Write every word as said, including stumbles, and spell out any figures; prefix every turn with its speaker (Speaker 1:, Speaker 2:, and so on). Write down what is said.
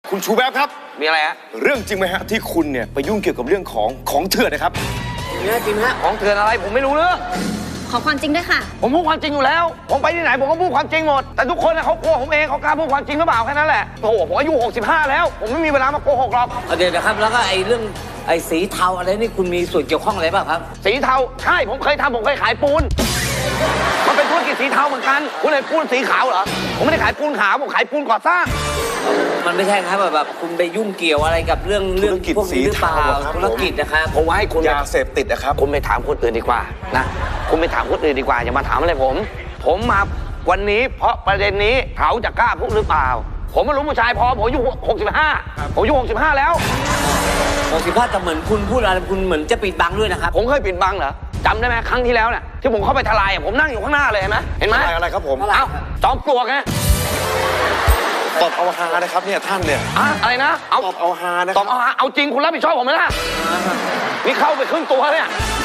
Speaker 1: คุณชูแวบครับ
Speaker 2: มีอะไรฮะ
Speaker 1: เรื่องจริงไหมฮะที่คุณเนี่ยไปยุ่งเกี่ยวกับเรื่องของของเถื่อนนะครับ
Speaker 2: จริงฮะจริงฮะของเถื่อนอะไรผมไม่รู้เรื่อง
Speaker 3: ขอความจริงด้วยค่ะ
Speaker 2: ผมพูดความจริงอยู่แล้วผมไปที่ไหนผมก็พูดความจริงหมดแต่ทุกคนนะเขากลัวผมเองเขากล้าพูดความจริงหรือเปล่าแค่นั้นแหละโอ้โหผมอายุหกสิบห้าแล้วผมไม่มีเวลามาโกหกหรอก
Speaker 4: เดี๋ยวนะครับแล้วก็ไอ้เรื่องไอ้สีเทาอะไรนี่คุณมีส่วนเกี่ยวข้องอะไรบ้างครับ
Speaker 2: สีเทาใช่ผมเคยทำผมเคยขายปูนมันเป็นธุรกิจสีเทาเหมือนกันคุณเห็นปูนสีขาวเหรอผมไม่ได้ขายปูนขาวผมขายปูนก่อสร้าง
Speaker 4: มันไม่ใช่ครับแบบแบบคุณไปยุ่งเกี่ยวอะไรกับเรื่องเรื่องพวกนี้หรือเปล่าธุรกิจนะครับ
Speaker 2: ผมว่าให้คุณ
Speaker 1: ยาเสพติดนะครับ
Speaker 2: คุณไปถามคนอื่นดีกว่านะคุณไปถามคนอื่นดีกว่าอย่ามาถามอะไรผมผมมาวันนี้เพราะประเด็นนี้เขาจะกล้าพูดหรือเปล่าผมไม่รู้ผู้ชายพอผมอายุหกสิบห้าผมอายุหกสิบห้าแล้ว
Speaker 4: หกสิบห้าแต่เหมือนคุณพูดอะไรคุณเหมือนจะปิดบังด้วยนะครับ
Speaker 2: ผมเคยปิดบังเหรอจำได้ไหมครั้งที่แล้วเนี่ยที่ผมเข้าไปทลายผมนั่งอยู่ข้างหน้าเลยเห็นไหมเห็นไหม
Speaker 1: อะไรครับผม
Speaker 2: เอ้าจอมปลวกไง
Speaker 1: ตอบเอาฮานะครับเนี่ยท่านเนี่ย
Speaker 2: อะไรนะ
Speaker 1: เอาตอบเอาฮานะ
Speaker 2: ตอบเอาฮาเอาจริงคุณรับผิดชอบผมไหมล่ะนี่เข้าไปครึ่งตัวเนี่ย